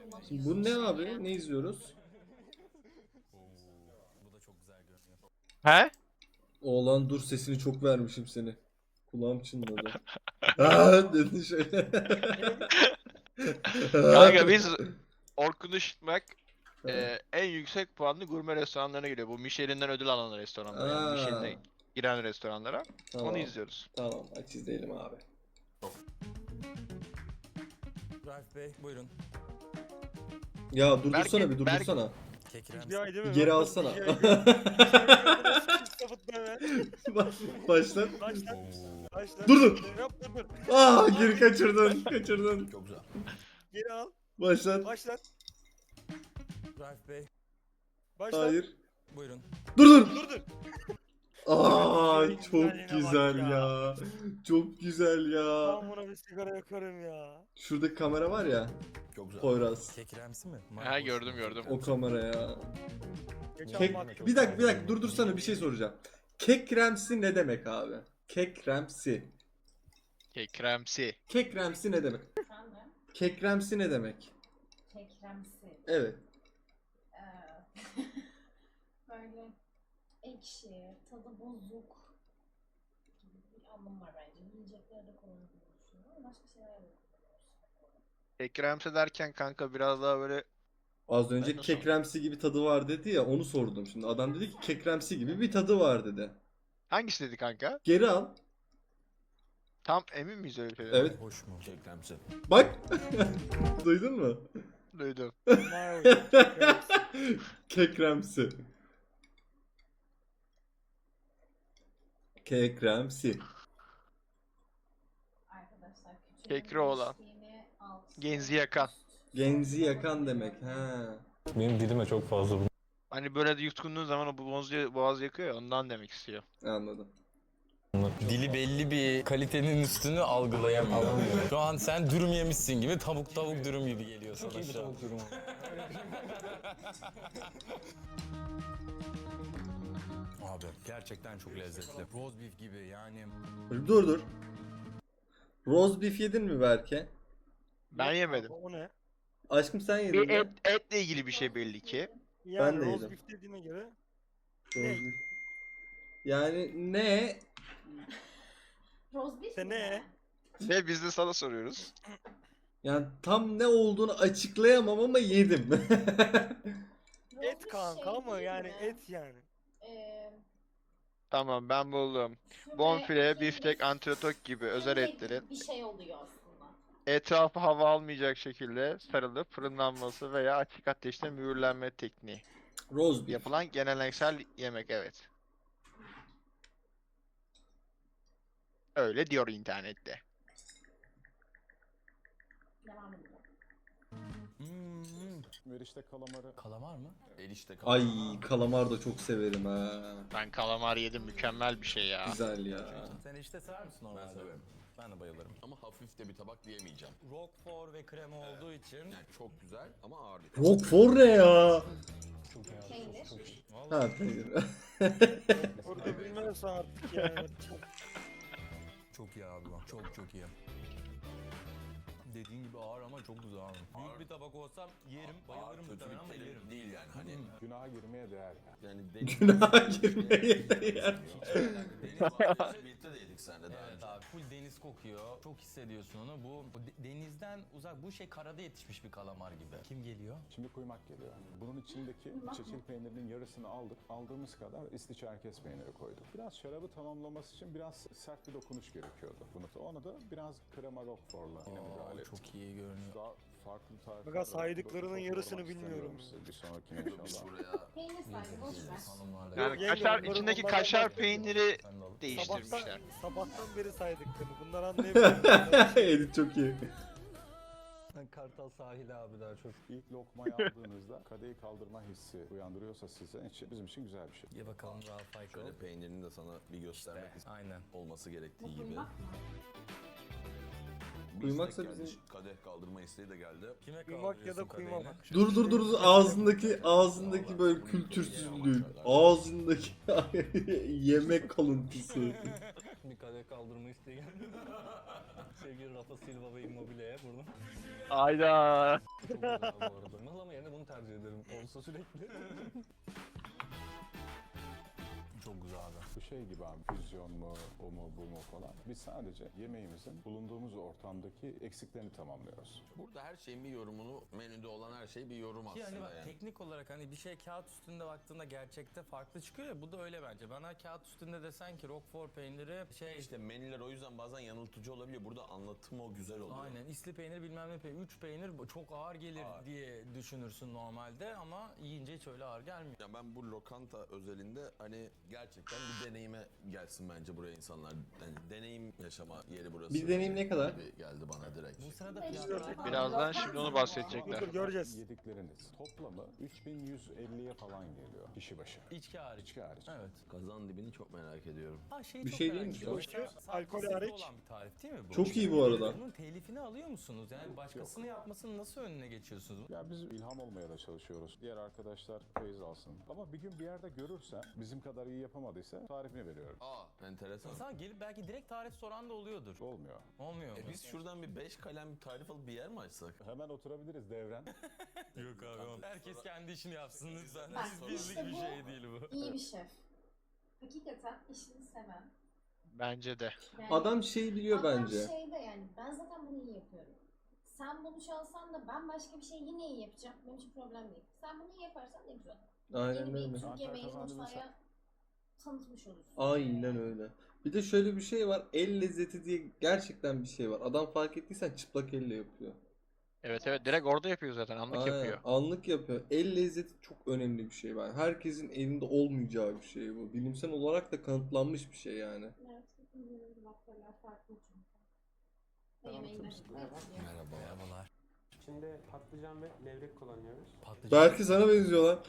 Şimdi bu ne abi? Ne izliyoruz? Bu da çok güzel görünüyor. He? Oğlan dur sesini çok vermişim seni. Kulağım çınladı. Aa dedin şöyle. Kanka biz Orkun Işıtmak en yüksek puanlı gurme restoranlarına giriyor. Bu Michelin'den ödül alan restoranlara, yani Aa, Michelin'e giren restoranlara. tamam. Onu izliyoruz. Tamam aç izleyelim abi. Raif Bey buyurun. Ya durdursana Berke- bir durdursana. Kekrem. Bir ay değil Bir mi? geri Bak, alsana. bir ay görmedim. Sapıtma hemen. Başla. Başla. Başla. Dur, dur. Yap dur. Aa geri kaçırdın. Kaçırdın. Çok güzel. Geri al. Başlat. Başla. Raif Bey Başla. Hayır. buyurun. Dur dur. Dur dur. Aa Güzelliğine çok bak güzel ya. ya. Çok güzel ya. Ben buna bir sigara yakarım ya. Şuradaki kamera var ya. Çok güzel. Poyraz. Kekremsi mi? Ha, gördüm, gördüm. O kamera ya. Geçen Kek... baktım. Bir dakika durdursana bir şey soracağım. Kekremsi ne demek abi? Kekremsi. Kekremsi. Kekremsi ne demek? Efendim? Kekremsi ne demek? Kekremsi. Evet. Böyle ekşi, tadı bozuk gibi bir anlam var bence. Yiyeceklerde kullanıldığını düşünüyorum. Başka şeyler yok. Kekremsi derken kanka biraz daha böyle Az önce Ben de kekremsi gibi tadı var dedi ya onu sordum şimdi. Adam dedi ki kekremsi gibi bir tadı var dedi. hangisi dedi kanka? Geri al. Tam emin miyiz öyle bir şey? Evet. Hoş mu? Kekremsi. Bak. Duydun mu? Duydum. Vay be. Kekremsi. Kekremsi. Arkadaşlar küçük Kekri olan. alt, Genzi yakan. Genzi yakan demek. Ha. Benim dilime çok fazla bu. Hani böyle de yutkunduğun zaman o boğaz yakıyor ya, ondan demek istiyor. Anladım. Dili belli bir kalitenin üstünü algılayamıyor. Şu an sen dürüm yemişsin gibi tavuk dürüm gibi geliyor sana Çok iyi bir şu an. tavuk durumu. Abi gerçekten çok lezzetli. Roast beef gibi yani. Dur. Roast beef yedin mi Berke? Ben yemedim. O ne? Aşkım sen yedin Bir mi? etle ilgili bir şey belli ki. Yani de roast yedim. beef dediğine göre Roast beef. Yani ne? Roast beef İşte mi? ne? Ve biz de sana soruyoruz. Yani tam ne olduğunu açıklayamam ama yedim. Roast Et beef kanka şey ama değil yani mi? et yani. Tamam, ben buldum. Füme, Bonfile, kemik, biftek, antrikot gibi özel füme etlerin gibi bir şey oluyor aslında. etrafı hava almayacak şekilde sarılıp fırınlanması veya açık ateşte mühürlenme tekniği. Roast beef. Yapılan geleneksel yemek, evet. Öyle diyor internette. Devam edelim. Erişte kalamarı. Kalamar mı? Erişte Ay kalamar da çok severim ha. Ben kalamar yedim, mükemmel bir şey ya. Güzel ya. Sen işte sever misin normalde? Ben severim. Ben de bayılırım. Ama hafif de bir tabak diyemeyeceğim. Roquefort ve krema olduğu için Yani çok güzel ama ağır bir Roquefort ne ya? Peynir. Ha peynir. Orada bilmezsen artık yani. çok iyi abi bak. Çok iyi. Dediğin gibi ağır ama çok güzel abi. Büyük bir tabak olsam yerim, bayılırım kötü muhtemelen ama bir yerim. terim değil yani hani. Günaha girmeye değer ya. Yani Günaha girmeye değer. Deniz mahallesi birlikte de yedik seninle daha Evet önce. abi full deniz kokuyor. Çok hissediyorsun onu. Bu denizden uzak bu şey karada yetişmiş bir kalamar gibi. Kim geliyor? Şimdi kuymak geliyor. Bunun içindeki çeçil peynirinin yarısını aldık. Aldığımız kadar İstiçerkes peyniri koyduk. Biraz şarabı tamamlaması için biraz sert bir dokunuş gerekiyordu. Onu da biraz krema roquefort'la yine müdahale ettik. Çok iyi görünüyor. Daha farklı tarifler. Fakat saydıklarının çok yarısını yormak bilmiyorum. istemiyorum size. Bir sonrakine Biz inşallah. buraya Peynir sahibi boş ver. Hanımlarla. Yani Yok, kaşar, yenge, içindeki onlardan kaşar bak. peyniri Sen de alıp- değiştirmişler. Sabahtan beri saydıklarını. Bunlar anlayabiliyor. Edit çok iyi. Kartal sahili abi daha çok. İlk lokmayı aldığınızda kadehi kaldırma hissi uyandırıyorsa sizin için bizim için güzel bir şey. Ye bakalım Ralph Michael. şöyle peynirini de sana bir göstermek Aynen. olması gerektiği Bu gibi. kuymak mı? Bir Kuymaksa istek geldi, bizim- kadeh kaldırma isteği de geldi. Kime Kuymak ya da kuyma bak. Dur ağzındaki böyle kültürsüzlük. Ağzındaki yemek kalıntısı. Bir kadeh kaldırma isteği geldi. Sevgili Rafa Silva ve Immobile'ye buradan. Ayda. Çok güzel bu arada. Mıhlama yerine bunu tercih ederim. Olsa sürekli. Çok güzel abi. Bu şey gibi abi, füzyon mu, o mu, bu mu falan. Biz sadece yemeğimizin bulunduğumuz ortamdaki eksiklerini tamamlıyoruz. Burada her şeyin bir yorumunu, menüde olan her şey bir yorum Ki aslında hani bak yani. teknik olarak hani bir şey kağıt üstünde baktığında gerçekte farklı çıkıyor ya, bu da öyle bence. Bana kağıt üstünde desen ki Roquefort peyniri şey İşte menüler o yüzden bazen yanıltıcı olabiliyor. Burada anlatım o güzel oluyor. aynen isli peynir bilmem ne peynir, 3 peynir çok ağır gelir Ağır. diye düşünürsün normalde ama yiyince hiç öyle ağır gelmiyor. Ya ben bu lokanta özelinde hani gerçekten bir deneyime gelsin bence buraya insanlar. Yani deneyim yaşama yeri burası. Bir deneyim ne kadar? Gibi geldi bana direkt. Bu sırada Beş fiyatlar... lira. Birazdan şimdi onu bahsedecekler. Dur göreceğiz. Yedikleriniz toplamı 3150'ye falan geliyor kişi başı. İçki hariç. İçki hariç. Evet. Kazan dibini çok merak ediyorum. Ha şeyi Bir çok şey merak değil mi ediyorum. şu an? Sadece Alkol sizde hariç. olan bir tarif değil mi bu? Çok iyi bu arada. Bunun telifini alıyor musunuz? Yani başkasının yapmasının nasıl önüne geçiyorsunuz? Ya biz ilham olmaya da çalışıyoruz. Diğer arkadaşlar feyiz alsın. Ama bir gün bir yerde görürsen bizim kadar iyi yapamadıysa tarifini veriyorum. Aa, enteresan. İnsan gelip belki direkt tarif soran da oluyordur. Olmuyor. Olmuyor mu? Biz şuradan bir 5 kalem bir tarif alıp bir yer mi açsak? Hemen oturabiliriz devren. Yok abi. Herkes kendi işini yapsın lütfen. Bak, Bizlik işte bir bu- şey değil bu. İyi bir şef. Hakikaten işini seven. Bence de. Yani Adam şey biliyor adam bence. şeyde yani ben zaten bunu iyi yapıyorum. Sen bunu çalsan da ben başka bir şey yine iyi yapacağım. Benim için problem değil. Sen bunu iyi yaparsan ne güzel. Aynen Yeni bir öyle. Türk yemeğini Kazandı mutfağa tanıtmış olursun. Aynen öyle. Bir de şöyle bir şey var. El lezzeti diye gerçekten bir şey var. Adam fark ettiysen çıplak elle yapıyor. Evet evet, direkt orada yapıyor zaten, anlık Aynen, yapıyor. anlık yapıyor. El lezzeti çok önemli bir şey. Ben herkesin elinde olmayacağı bir şey bu. Bilimsel olarak da kanıtlanmış bir şey yani. Evet, hepimizin baktörler farklı çünkü. Ve Tamam, yemeğinden tabii. etkileniyor. Merhabalar. İçinde patlıcan ve levrek kullanıyoruz. Patlıcan. Belki sana benziyorlar.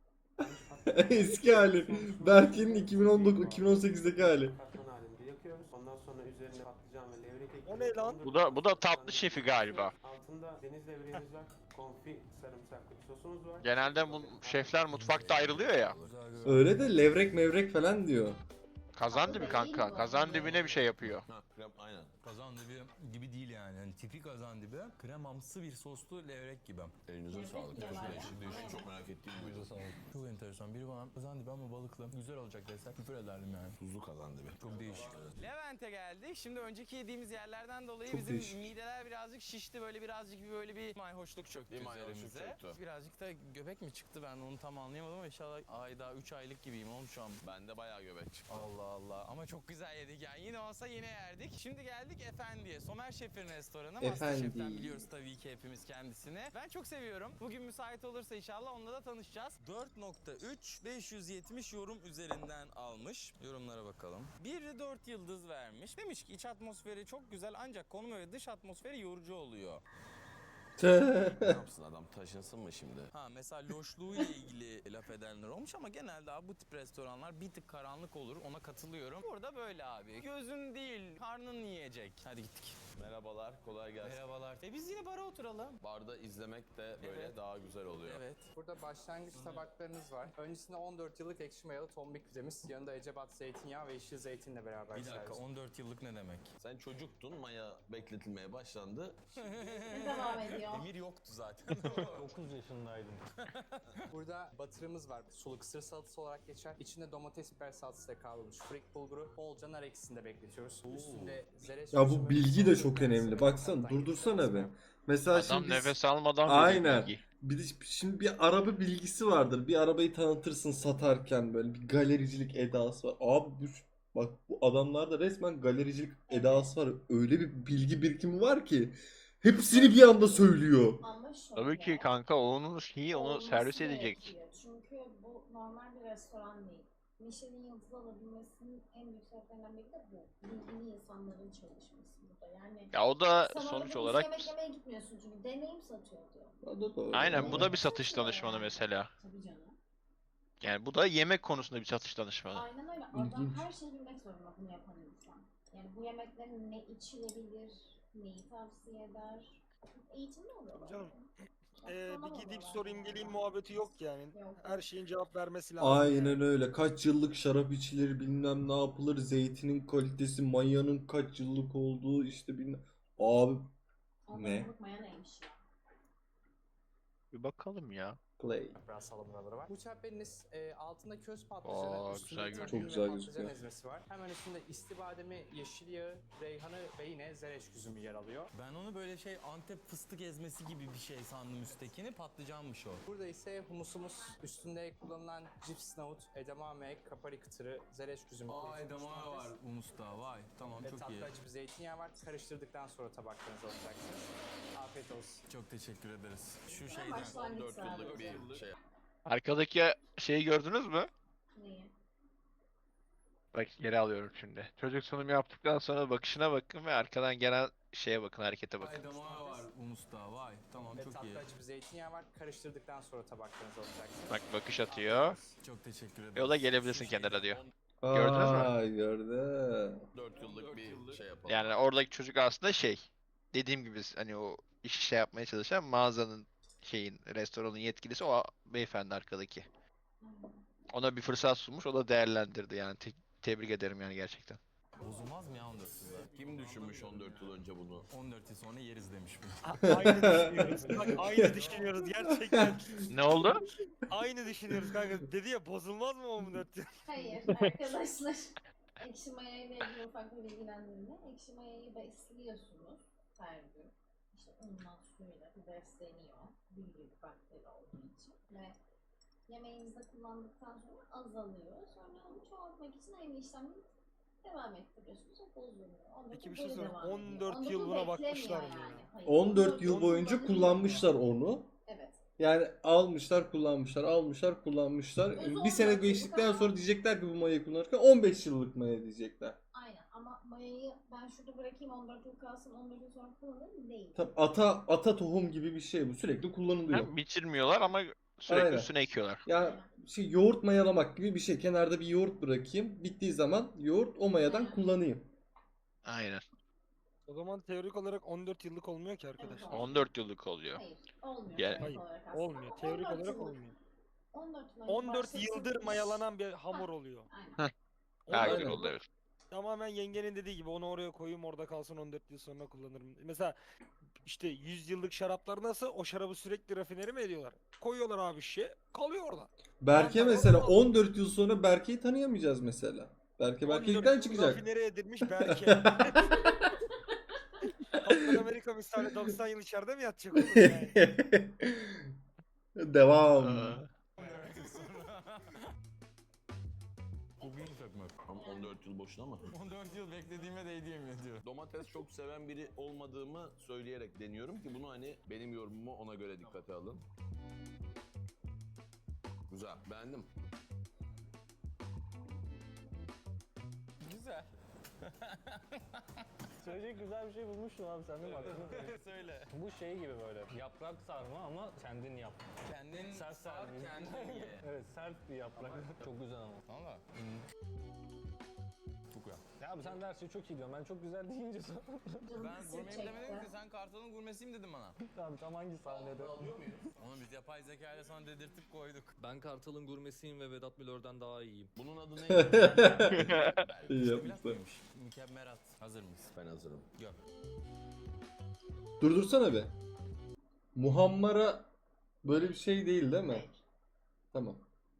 Eski hali. Berke'nin 2019-2018'deki hali. Katman halinde yakıyoruz. Ondan sonra üzerine patlıcan ve levrek ekliyoruz. O ne lan? Bu da tatlı şefi galiba. Altında deniz levreğimiz var. Konfi sarımsaklı bir sosumuz var. Genelde bu şefler mutfakta ayrılıyor ya. Güzel, güzel. Öyle de levrek mevrek falan diyor. Kazan dibi kanka. Kazan dibine bir şey yapıyor. Ha, krem aynen. Kazan dibi gibi değil yani. Yani tipi kazan dibi. Kremamsı bir soslu levrek gibi. Elinize Levrek sağlık. diyorlar Çok ya. değişik, çok merak ettiğim bu yüzden sağlık. Çok enteresan. Biri bana kazan dibi ama balıklı. Güzel olacak dese küfür ederdim yani. Tuzlu kazan dibi. Çok değişik. Levent'e geldik. Şimdi önceki yediğimiz yerlerden dolayı Çok bizim değişik. mideler birazcık şişti. Böyle bir mayhoşluk çöktü Bir mayhoşluk üzerimize. çöktü. Birazcık da göbek mi çıktı, ben onu tam anlayamadım ama inşallah daha 3 aylık gibiyim oğlum şu an. Bende bayağı göbek çıktı. Allah Allah, ama çok güzel yedik yani, yine olsa yine yerdik. Şimdi geldik Efendi'ye, Somer Şef'in restoranı. Masterchef'ten Efendi. biliyoruz tabii ki hepimiz kendisini. Ben çok seviyorum. Bugün müsait olursa inşallah onunla da tanışacağız. 4.3 570 yorum üzerinden almış. Yorumlara bakalım. Biri 4 yıldız vermiş. Demiş ki iç atmosferi çok güzel ancak konum ve dış atmosferi yorucu oluyor. Ne yapsın adam, taşınsın mı şimdi? Ha mesela loşluğuyla ilgili laf edenler olmuş ama genelde abi bu tip restoranlar bir tık karanlık olur, ona katılıyorum. Burada böyle abi. Gözün değil, karnın yiyecek. Hadi gittik. Merhabalar, kolay gelsin. Merhabalar. Biz yine bara oturalım. Barda izlemek de böyle Evet. daha güzel oluyor. Evet. Burada başlangıç tabaklarınız var. Öncesinde 14 yıllık ekşi mayalı tombik pidemiz. Yanında ecebat zeytinyağı ve yeşil zeytinle beraber Bir dakika, servis. 14 yıllık ne demek? Sen çocuktun, maya bekletilmeye başlandı. Devam ediyor. Emir yoktu zaten. 9 yaşındaydım. Burada batırımız var. Sulu kısır salatası olarak geçer. İçinde domates biber salatasıyla kavrulmuş frik bulguru. Bolca nar ekşisinde bekletiyoruz. Üstünde zereç Ya bu karışımı, bilgi de soğuk çok yoğurt, önemli. sarımsak, Baksana, hatta durdursana be. yediğimiz Mesela Adam şimdi biz- nefes almadan Aynen. veriyor bilgi. Bir de şimdi bir araba bilgisi vardır. Bir arabayı tanıtırsın satarken, böyle bir galericilik edası var. Abi bak bu adamlarda resmen galericilik edası var. Öyle bir bilgi birikimi var ki hepsini bir anda söylüyor. Ama şöyle. Tabii ki kanka, onun şeyi onu olması servis edecek. gerekiyor. Çünkü bu normal bir restoran değil. Michelin yıldızı alabilmesinin en büyük sebeplerinden biri de bu. Bilgili insanların çalışması burada. Yani Ya o da sen sonuç orada olarak yemek yemeye gitmiyorsun çünkü deneyim satıyor diyor. O da doğru. aynen, bu da bir satış Satıyor danışmanı yani. mesela. Tabii canım. Yani bu da yemek konusunda bir satış danışmanı. Aynen öyle. Adam İlginç. her şeyi bilmek zorunda bunu yapan insan. Yani bu yemeklerin ne içilebilir, neyi tavsiye eder. Eğitimli oluyorlar. Canım, Astronom bir gideyim oluyorlar sorayım yani. geleyim muhabbeti yok yani. Yok. Her şeyin cevap vermesi lazım. Aynen öyle. Kaç yıllık şarap içilir, bilmem ne yapılır, zeytinin kalitesi, mayanın kaç yıllık olduğu işte bilmem. Abi Ondan Ne? unutmaya neymiş ya. Bir bakalım ya. Play. Yaprağı salamuraları var. Bu çemberiniz altında köz patlıcanı, Aa, üstünde güzel tahin Çok ve güzel patlıcan gözüküyor. ezmesi var. Hemen üstünde istibademi, yeşil yağı, reyhanı ve yine zereç üzümü yer alıyor. Ben onu böyle şey Antep fıstık ezmesi gibi bir şey sandım üsttekini. Patlıcanmış o. Burada ise humusumuz, üstünde kullanılan cips nohut, edamame, kapari kıtırı, zereç üzümü, Aa kurutulmuş edamame domates var humusta. Vay tamam ve çok iyi. tatlı acı bir zeytinyağı var. Karıştırdıktan sonra tabaklarınıza alacaksınız. Afiyet olsun. Çok teşekkür ederiz. Şu Ben şeyden başlangıç 14 yıllık sadece. bir şey. Arkadaki şeyi gördünüz mü? Neyi? Bak geri alıyorum şimdi. Çocuk sunum yaptıktan sonra bakışına bakın ve arkadan gelen şeye bakın, harekete bakın. edamame var humusta. Vay tamam Ve çok iyi. tatlı acı bir zeytinyağı var. Karıştırdıktan sonra tabaklarınıza alacaksınız. Bak bakış atıyor. Çok teşekkür ederiz. Yola gelebilirsin Şu şeyden- kenara diyor. Gördünüz mü? Aa, gördüm. 4 yıllık bir şey yapalım. Yani oradaki çocuk aslında şey, dediğim gibi hani o iş şey yapmaya çalışan mağazanın restoranın yetkilisi o beyefendi arkadaki. Ona bir fırsat sunmuş, o da değerlendirdi yani. Tebrik ederim yani gerçekten. Bozulmaz mı ya 14 yılda? Kim düşünmüş 14 yıl önce bunu? 14 yıl sonra yeriz demiş bu. Aynı düşünüyoruz. Bak aynı düşünüyoruz gerçekten. Ne oldu? Aynı düşünüyoruz kanka. Dedi ya bozulmaz mı 14 yıl? Hayır arkadaşlar. Ekşi maya ile ilgili ufak bir bilgilendirme. Ekşi mayayı besliyorsunuz her gün. İşte unla suyla bir besleniyor. Büyüyor bakteri olduğu için. Ve yemeğinizde kullandıktan sonra azalıyor. Sonra onu çoğaltmak için aynı işlemi devam ettiriyorsunuz. O bozulmuyor. Ondan Peki bir sonra şey böyle sorayım. devam ediyor. 14 yıl Ondan buna sonra bakmışlar beklemiyor mı ya? Hayır, 14 yıl boyunca kullanılıyor. kullanmışlar onu. Evet. Yani almışlar, kullanmışlar, almışlar, kullanmışlar. Özü Bir sene 14 geçtikten yıllık sonra ama- diyecekler ki bu mayayı kullanırken 15 yıllık maya diyecekler. Aynen ama mayayı ben şurada bırakayım 14 yıl kalsın 14 yıl sonra kullanırım değil. Tabii ata tohum gibi bir şey bu. Sürekli kullanılıyor. Hem biçilmiyorlar ama sürekli Aynen. üstüne ekiyorlar. Ya yoğurt mayalamak gibi bir şey. Kenarda bir yoğurt bırakayım. Bittiği zaman yoğurt o mayadan Aynen. kullanayım. Aynen. O zaman teorik olarak 14 yıllık olmuyor ki arkadaş. Evet, 14 yıllık oluyor. Hayır olmuyor Ya- teorik Hayır, olarak aslında. olmuyor. Teorik 14 olarak yıllık. olmuyor. 14 Mayıs 14 başlatılmış. yıldır mayalanan bir hamur oluyor. Aynen. Daha Aynen. güzel oldu evet. Tamamen yengenin dediği gibi onu oraya koyayım orada kalsın 14 yıl sonra kullanırım. Mesela işte 100 yıllık şaraplar nasıl? O şarabı sürekli rafineri mi ediyorlar? Koyuyorlar abi şişe kalıyor orada. Berke Tamam, mesela tamam. 14 yıl sonra Berke'yi tanıyamayacağız mesela. Berke 14 Berke'likten yıl çıkacak. rafineri edilmiş belki. Kaptan Amerika misali 90 yıl içeride mi yatacak oğlum yani? Devam. Bugün sökmek. Ama 14 yıl boşuna mı? 14 yıl beklediğime değdi yemin ediyorum. Domates çok seven biri olmadığımı söyleyerek deniyorum ki bunu hani benim yorumumu ona göre dikkate alın. Güzel, beğendim. Güzel. Söyleyecek güzel bir şey bulmuşsun abi sen değil mi? Söyle. Bu şey gibi böyle yaprak sarma ama kendin yap. Kendin Sert sar, sarma. kendin ye. Evet sert bir yaprak. Çok güzel ama. Valla. Çok güzel. Ya abi sen de her şeyi çok iyi diyorsun. Ben çok güzel deyince sonra. Canım Ben kısır gurmeyim demedim çekti. ki sen Kartal'ın gurmesiyim dedim bana. Abi tam hangi sahnede? Onu biz yapay zeka ile sana dedirtip koyduk. Ben Kartal'ın gurmesiyim ve Vedat Milor'dan daha iyiyim. Bunun adı ne? İyi İşte yapmışlar. mıymış? Mükemmelat. Hazır mıyız? Ben hazırım. Gör. Durdursana be. Muhammara böyle bir şey değil değil mi? Hayır. Tamam.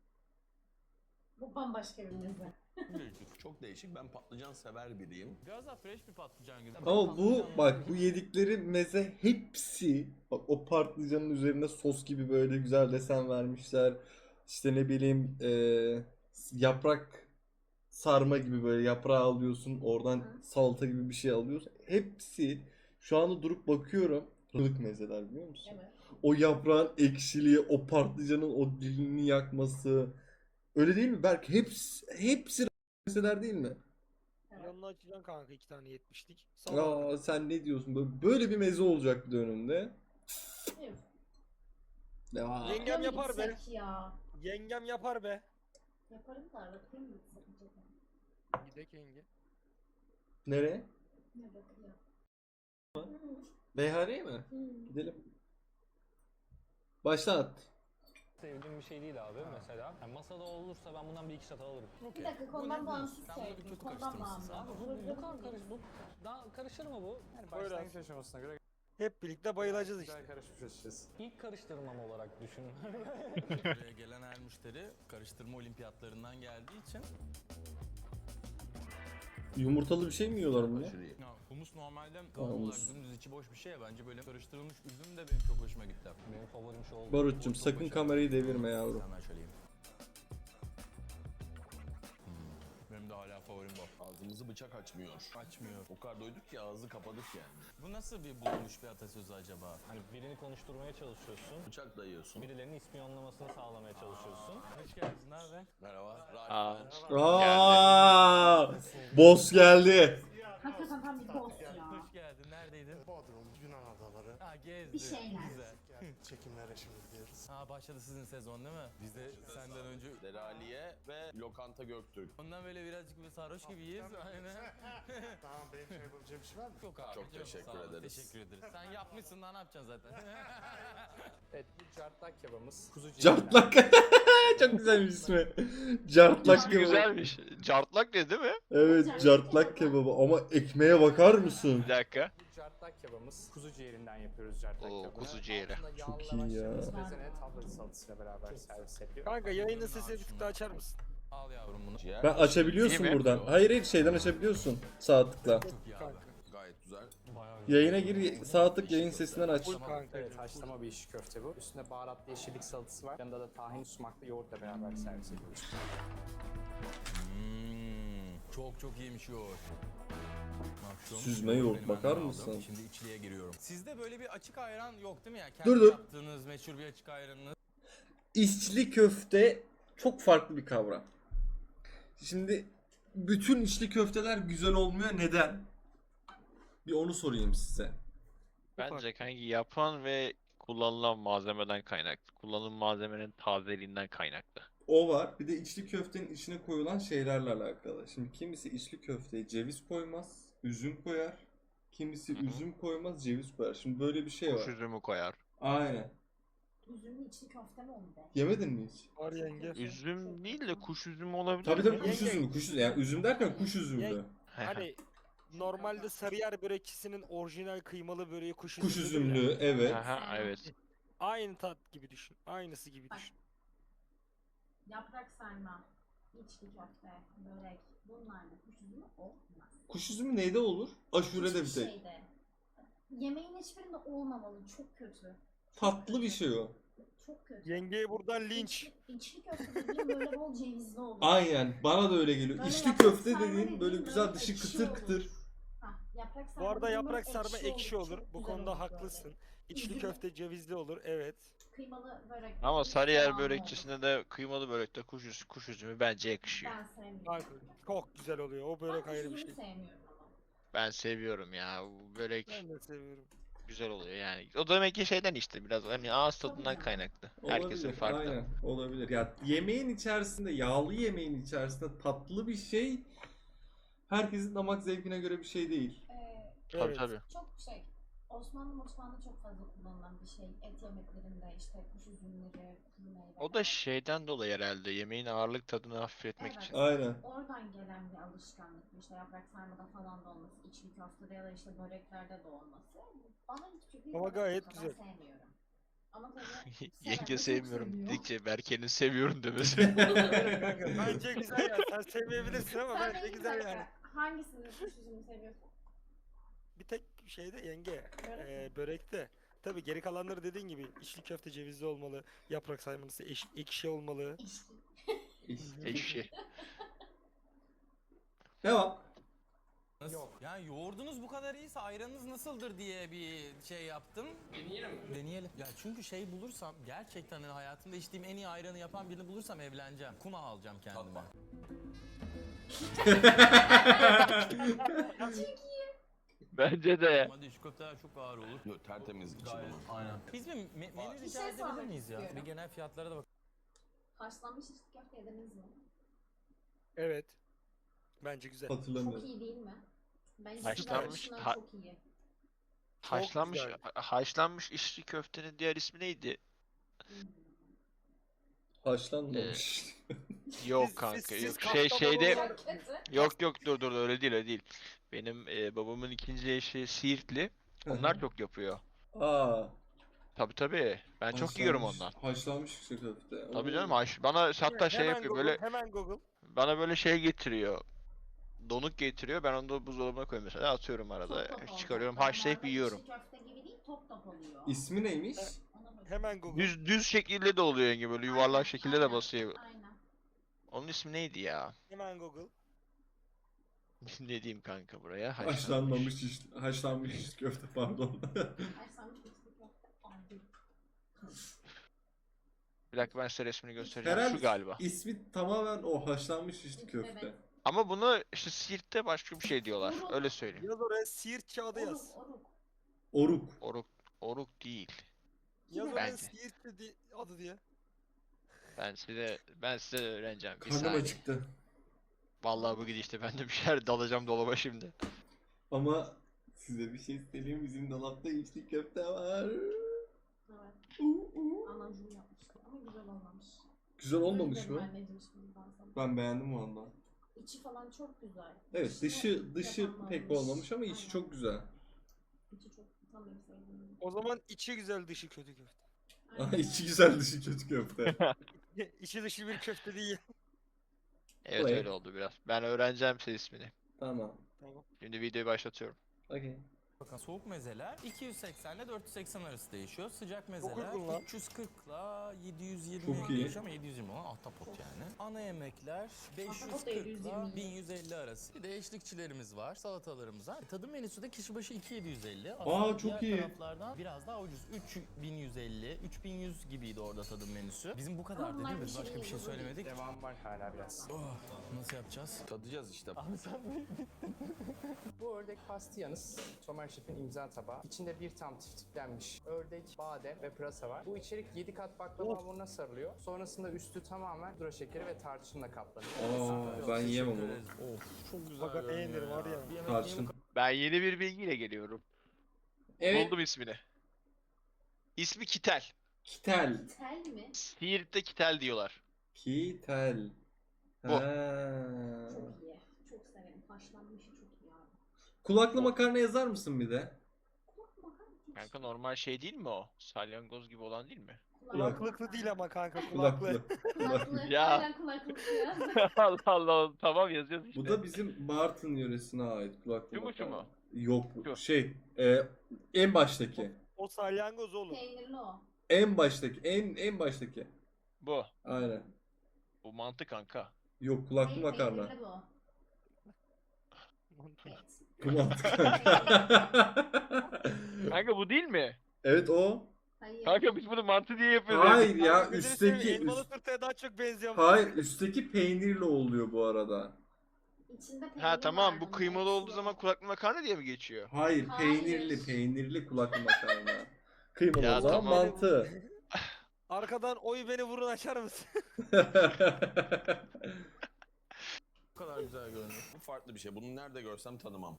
Bu bambaşka bir meze. Değişik, çok değişik. Ben patlıcan sever biriyim. Biraz daha fresh bir patlıcan gibi. Ama bu bak bu yedikleri meze hepsi bak o patlıcanın üzerine sos gibi böyle güzel desen vermişler. İşte ne bileyim yaprak sarma gibi böyle yaprağı alıyorsun oradan Hı. salata gibi bir şey alıyorsun. Hepsi şu anda durup bakıyorum. Ilık mezeler biliyor musun? Evet. O yaprağın ekşiliği, o patlıcanın o dilini yakması. Öyle değil mi Berk? Hepsi mezeler değil mi? Evet. Yanına açacaksın kanka 2 tane 70'lik. Aa sen ne diyorsun? Böyle bir meze olacak bir de önünde. Evet. Ya. Yengem Mı yapar be. gitsek Ya. Yengem yapar be. Yaparım da bakayım mı gitsek acaba? Gidek yenge. Nereye? Ne bakıyor? Beyhane'ye mi? Hmm. Gidelim. Başlat. Sevdiğim bir şey değil abi mesela. Yani masada olursa ben bundan bir iki çatal alırım. Bir dakika konudan bağımsız Sen bunu bir söyledim. kötü Konudan karıştırmışsın bağımsız. sen. Bu kadar karış, bu daha karışır mı bu? Yani Buyur başlangıç abi. aşamasına göre Hep birlikte bayılacağız işte. Güzel karışmış açıkçası. İlk karıştırmam olarak düşün. Buraya gelen her müşteri karıştırma olimpiyatlarından geldiği için Yumurtalı bir şey mi yiyorlar bunlar? ya, humus normalde kavun olarak humus. dümdüz içi boş bir şey ya, bence böyle karıştırılmış üzüm de benim çok hoşuma gitti. Benim favorim şu oldu. Barut'cum sakın kamerayı devirme yavrum. Hemen şöyle yiyeyim. Benim de hala favorim bu. Ağzımızı bıçak açmıyor. Açmıyor. O kadar doyduk ki ağzı kapadık yani. Bu nasıl bir bulunmuş bir atasözü acaba? Hani birini konuşturmaya çalışıyorsun. Bıçak dayıyorsun. Birilerinin ispiyonlamasını sağlamaya çalışıyorsun. Hoş geldin abi. Merhaba. Aa, Aa, boss geldi. Hakikaten tam bir boss ya. Hoş geldin. Neredeydin? Bodrum, Yunan adaları. Ha gezdin. Bir şeyler. Güzel. Çekimlere şimdi gidiyoruz. Ha başladı sizin sezon değil mi? Biz de senden önce Deraliye ve Lokanta Göktürk. ondan böyle birazcık bir sarhoş gibiyiz. Aynen. Tamam benim şey yapabileceğim bir şey var mı? Yok abi. Çok teşekkür sağ ol, ederiz. Teşekkür ederiz. Sen yapmışsın daha ne yapacaksın zaten? Evet bu cartlak kebabımız. Kuzu ciğerinden. Cartlak. Çok güzel bir ismi. Cartlak ismi kebabı. güzelmiş. Cartlak ne değil mi? Evet, cartlak kebabı ama ekmeğe bakar mısın? Bir dakika. Bu cartlak kebabımız. Kuzu ciğerinden yapıyoruz cartlak Oo, kebabını. kuzu ciğeri. Altında yağlı Çok iyi ya. lavaş, bezene, tavla salatasıyla beraber servis ediliyor. Kanka yayının sesini bir tık daha açar mısın? Al yavrum bunu. Ciğer Ben açabiliyorsun İyi mi? buradan. Hayır şeyden açabiliyorsun. Sağ tıkla. Çok iyi abi. gayet güzel. Bayağı güzel. Yayına gir, sağ tık yayın sesinden aç. Full kanka. Evet haşlama bir içli köfte bu. Üstünde baharatlı yeşillik salatası var. Yanında da tahin sumaklı yoğurtla beraber servis ediyoruz. Çok çok iyiymiş yoğurt. Bak, Süzme yoğurt, benim bakar annem mısın? aldı. Şimdi içliğe giriyorum. Sizde böyle bir açık ayran yok değil mi ya? Kendi Dur, dur. yaptığınız meşhur bir açık ayranınız. İçli köfte çok farklı bir kavram. Şimdi bütün içli köfteler güzel olmuyor. Neden? Bir onu sorayım size. Bence kanki yapan ve kullanılan malzemeden kaynaklı. Kullanılan malzemenin tazeliğinden kaynaklı. O var. Bir de içli köftenin içine koyulan şeylerle alakalı. Şimdi kimisi içli köfteye ceviz koymaz, üzüm koyar. Kimisi üzüm koymaz, ceviz koyar. Şimdi böyle bir şey Kuş var. üzümü koyar. Aynen. Üzümlü içli köfte mi oldu be? Yemedin mi hiç? Var yenge. Üzüm değil de kuş üzümü olabilir Tabii tabii mi? kuş üzümü, kuş üzümü. Yani üzüm derken kuş üzümlü. Hani normalde Sarıyer börekçisinin orijinal kıymalı böreği kuş Kuş üzümlüdür ya. üzümlü, evet. Aha, evet. Aynı tat gibi düşün. Aynısı gibi düşün. Yaprak sarma, içli köfte, börek bunlarla kuş üzümü olmaz. Kuş üzümü neyde olur? Aşure'de bir Hiçbir tek. şeyde. Yemeğin hiçbirinde olmamalı. Çok kötü. Tatlı bir şey o. Çok kötü. Yengeye buradan linç. İçli köfte dediğim böyle bol cevizli olur. Aynen. Bana da öyle geliyor. Böyle İçli yaprak köfte sarma dediğin böyle dediğin güzel böyle dışı ekşi kıtır olur. kıtır. Hah, yaprak Bu sarma arada dediğin böyle yaprak sarma ekşi olur. Çok Bu güzel konuda olur haklısın. böyle. İçli Üzüm- köfte cevizli olur. Evet. Kıymalı börek. Ama dediğin Sarıyer soğanlı börekçisinde de kıymalı börekte kuş üzümü bence olur. yakışıyor. Ben sevmiyorum. Kanka, çok güzel oluyor. O börek Ben ayrı bir kuş şey. üzümü sevmiyorum ama. Ben seviyorum ya. Bu börek Ben de seviyorum. güzel oluyor yani. O da demek ki şeyden işte biraz hani ağız tadından canım. kaynaklı. Herkesin Olabilir, farklı. aynen. Olabilir. Ya yemeğin içerisinde, yağlı yemeğin içerisinde tatlı bir şey herkesin damak zevkine göre bir şey değil. Tabii Evet. tabii. Çok Osmanlı mutfağında çok fazla kullanılan bir şey. Et yemeklerinde işte kuş üzümleri, kuru meyveler. O da şeyden dolayı herhalde yemeğin ağırlık tadını hafifletmek Evet. için. Aynen. Oradan gelen bir alışkanlık. İşte yaprak sarmada falan da olması, içli köftede ya da işte böreklerde de olması. Bana hiçbir Ama börek gayet kadar güzel. sevmiyorum. Ama tabii Yenge seven de çok sevmiyorum seviyor. dedikçe Berke'nin seviyorum demesi. Kanka, bence güzel yani. Sen sevmeyebilirsin ama Sen bence benim güzel dakika, yani. hangisini kuş üzümü seviyorsun? Bir tek şeyde yenge. Börek mi? Börekte. Tabii geri kalanları dediğin gibi içli köfte cevizli olmalı. Yaprak sarması ekşi olmalı. İşte. Ekşi. Devam. Yok. Yani yoğurdunuz bu kadar iyiyse ayranınız nasıldır diye bir şey yaptım. Deneyelim mi? Deneyelim. Ya çünkü şey bulursam gerçekten hani hayatımda içtiğim en iyi ayranı yapan birini bulursam evleneceğim. Kuma alacağım kendime. Bence de. Ama şu köfteler çok ağır olur. Yok, tertemiz içi Gayet. bunun. Aynen. Biz bir menü Bir rica şey edebilir sormak miyiz ya? istiyorum. Bir genel fiyatlara da bak. Haşlanmış içli köfte yediniz mi? Evet. Bence güzel. Çok Hatırlamıyorum. iyi değil mi? Ben Haşlanmış- içli ha- çok iyi. Haşlanmış güzel. haşlanmış içli köftenin diğer ismi neydi? Haşlanmamış. Yok Siz- kanka siz yok Kastamonu şeyde olarak- Çok kötü. yok dur öyle değil öyle değil. Benim babamın ikinci eşi Siirtli. Onlar çok yapıyor. Aa. Tabii tabii. Ben çok yiyorum ondan. Haşlanmış içli köfte. Tabii Oo. canım bana hatta şey Hemen yapıyor Google, böyle hemen Google. bana böyle şey getiriyor. Donuk getiriyor. Ben onu da buzdolabına koyuyorum mesela. Atıyorum arada. Top top Çıkarıyorum, olacak. haşlayıp Normalde yiyorum. içli köfte gibi değil, top top oluyor. İsmi neymiş? Ona bak- Hemen Google. Düz şekilde de oluyor yenge böyle yuvarlak Aynen, şekilde de aynen, basıyor. Aynen. Onun ismi neydi ya? Hemen Google. Ne diyeyim kanka buraya? Haşlanmış içli köfte pardon. Haşlanmış içli köfte. Abi. Bir dakika ben size resmini göstereceğim. Herhalde Şu galiba. ismi tamamen o haşlanmış içli köfte. Evet. Ama bunu işte Siirt'te başka bir şey diyorlar. Oruk. Öyle söyleyeyim. Yaz oraya Siirt kağıdı yaz. Oruk. Oruk. Oruk değil. Yaz oraya Bence. Siirt adı diye. Ben size öğreneceğim. Bir Karnım saniye. acıktı. Vallahi bu gidişte ben de bir şeyler dalacağım dolaba şimdi. Ama size bir şey söyleyeyim. Bizim dolapta içli köfte var. Evet. Anacığım yapmıştı ama güzel olmamış. Güzel olmamış Özür dilerim mı? anneciğim şimdiden sana. Ben beğendim valla. İçi falan çok güzel. Evet dışı pek olmamış ama içi çok güzel. İçi çok tam benim sevdiğim gibi. O zaman içi güzel dışı kötü köfte. Aha, içi güzel dışı kötü köfte. İçi dışı bir köfte değil. Evet Vay. öyle oldu biraz. Ben öğreneceğim size ismini. Tamam. Tamam. Şimdi videoyu başlatıyorum. Okey. Bakın soğuk mezeler 280 ile 480 arası değişiyor. Sıcak mezeler uygun lan. 340 ile 720 Çok iyi. değişiyor ama 720 olan ahtapot yani. Ana yemekler 540 ile 720. 1150 arası. Bir de eşlikçilerimiz var, salatalarımız var. Tadım menüsü de kişi başı 2750. çok diğer iyi. taraflardan biraz daha ucuz. 3150, 3100 gibiydi orada tadım menüsü. Bizim bu kadar bunlar değil mi? Biz bir başka şey bir şey değil, söylemedik. Devam var hala biraz. Oh, nasıl yapacağız? Tadacağız işte. Bu ördek pastiyanız. Somer Şef'in imza tabağı. İçinde bir tam tiftiklenmiş ördek, badem ve pırasa var. Bu içerik 7 kat baklava hamuruna sarılıyor. Sonrasında üstü tamamen pudra şekeri ve tarçınla kaplanıyor. Aa, ben yiyemem onu. Of, çok güzel Bak beğenir görünüyor var ya. Bir yemek Tarçın. yiyeyim, Ben yeni bir bilgiyle geliyorum. Evet. Buldum ismini. İsmi Kitel. Kitel. Tel mi? Siirt'te Kitel diyorlar. Kitel. Bu. Ha. Çok iyi. Çok severim. Haşlanmışı çok iyi abi. Kulaklı makarna yazar mısın bir de? Kanka normal şey değil mi o? Salyangoz gibi olan değil mi? Kulaklıklı değil ama kanka kulaklı. Kulaklı. Ya. Aynen kulaklık ya. Allah Allah tamam yazıyoruz işte. Bu da bizim Bartın yöresine ait kulaklı Şu mu, şu makarna. mu? Yok Şu. en baştaki. O salyangoz oğlum. Peynirli o. En baştaki. En baştaki. Bu. Aynen. Bu mantı kanka. Yok kulaklı makarna. Peynirli bu. Evet. Bu mantı kanka. Kanka bu değil mi? Evet o. Hayır. Kanka biz bunu mantı diye yapıyoruz. Hayır ya Kanka gözünü seveyim, üstteki elmalı turtaya daha çok benziyor. hayır üstteki peynirli oluyor bu arada. İçinde peynir Ha tamam var bu bunun kıymalı olduğu hepsi. zaman kulaklı makarna diye mi geçiyor? Hayır Hayır. peynirli kulaklı makarna. Kıymalı Ya o zaman tamam. mantı. Arkadan oy beni vurun açar mısın? Bu kadar güzel görünüyor. Bu farklı bir şey. Bunu nerede görsem tanımam.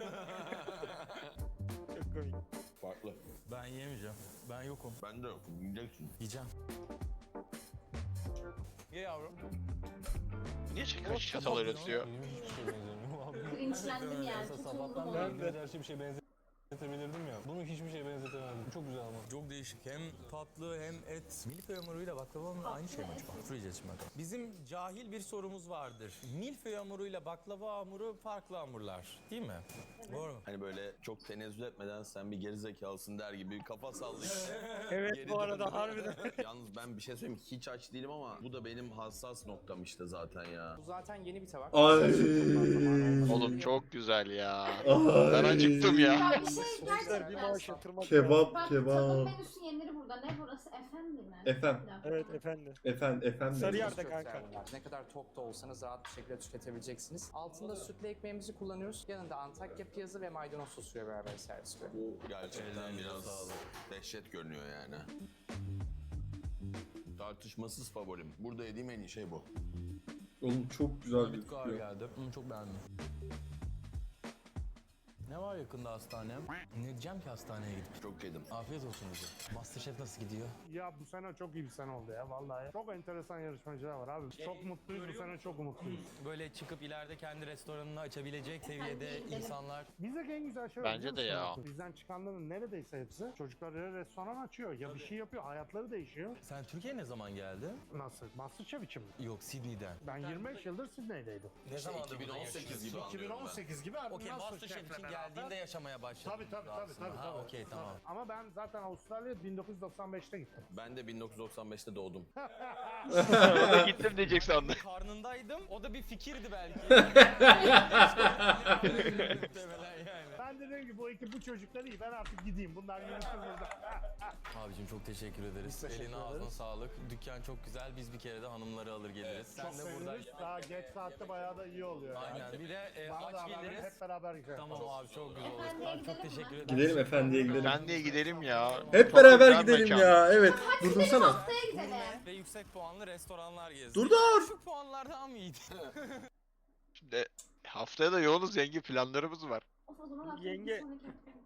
Çok komik. Farklı. Ben yemeyeceğim. Ben yokum. Ben de yok. Yiyeceksin. Yiyeceğim. Ye yavrum. Niye çatal öyle tutuyor? Benim hiçbir şey benzemiyor abi. Cringe'lendim yani. Mesela Tutuldum sabahtan ona. beri göz her şey bir şey benzetebilirdim ya. Bunu hiçbir şey benzetemezdim. Çok güzel ama. Çok değişik. Hem tatlı hem et. Milföy hamuruyla baklava hamuru aynı şey mi acaba? Fırlayacağız şimdi bakalım. Bizim cahil bir sorumuz vardır. Milföy hamuruyla baklava hamuru farklı hamurlar. Değil mi? Doğru mu? Hani böyle çok tenezzül etmeden sen bir gerizekalısın der gibi bir kafa sallayıp Evet geri bu arada döndü. harbiden. Yalnız ben bir şey söyleyeyim hiç aç değilim ama bu da benim hassas noktam işte zaten ya. Bu zaten yeni bir tabak. Ay. Oğlum çok güzel ya. Ay. Ben acıktım ya. Ya bir şey Sonuçlar bir gerçekten. maaş yatırmak Kebap Bak kebap. tadım menüsü yenir burada. Ne burası? Efendi mi? Efem. Bir dakika. Evet efendim. Efendim. Sarıyer'de Çok kanka. güzel bunlar. Ne kadar tok da olsanız rahat bir şekilde tüketebileceksiniz. Altında sütlü ekmeğimizi kullanıyoruz. Yanında Antakya piyazı ve maydanoz sosuyla beraber servis ediyoruz. Bu gerçekten biraz dehşet görünüyor yani. Tartışmasız favorim. Burada yediğim en iyi şey bu. Oğlum çok güzel Bitki ağır gözüküyor. geldi. Çok beğendim. Ne var yakında hastane? Ne diyeceğim ki hastaneye gidip? Çok yedim. Afiyet olsun bize. Masterchef nasıl gidiyor? Ya bu sene çok iyi bir sene oldu ya vallahi. Çok enteresan yarışmacılar var abi. Çok mutluyuz bu sene, çok umutluyuz. Böyle çıkıp ileride kendi restoranını açabilecek seviyede insanlar. Bizdeki en güzel şey Bence de ya. Bizden çıkanların neredeyse hepsi çocukları restoran açıyor ya bir şey yapıyor, hayatları değişiyor. Sen Türkiye'ye ne zaman geldin? Nasıl? Masterchef için mi? Yok, Sydney'den. Ben 25 yıldır Sydney'deydim. Ne zamandır 2018 gibi anlıyorum 2018 gibi abi Okey, Masterchef için geldiğinde yaşamaya başladın. Tabii. Ha, okey, tamam. Ama ben zaten Avustralya'ya 1995'te gittim. Ben de 1995'te doğdum. O da gittim diyecek sandım. Karnındaydım. O da bir fikirdi belki. Muhtemelen yani. Ben de dedim ki bu ekip bu çocuklar iyi, ben artık gideyim. Bunlar yürüsün burada. Abicim çok teşekkür ederiz. Biz teşekkür Eline ağzına ederiz. sağlık. Dükkan çok güzel. Biz bir kere de hanımları alır geliriz. Sen Çok de burada. seviniriz. Daha geç saatte bayağı da iyi oluyor. Aynen. Bir de Bana da aç haber verin, geliriz. hep beraber gidelim. Tamam abi, çok güzel olur. Efendiye Abi çok gidelim mi? teşekkür ederim. Gidelim efendiye gidelim. Ben de gidelim ya. Hep Çok beraber güzel gidelim mekan. ya. Evet. Durdursana. Haftaya gidelim. Ve yüksek puanlı restoranlar gezdik. Dur dur. Düşük puanlar daha mı iyiydi? Şimdi haftaya da yoğunuz, zengin planlarımız var. Of, o zaman haftaya Yenge- bir sonraki hafta.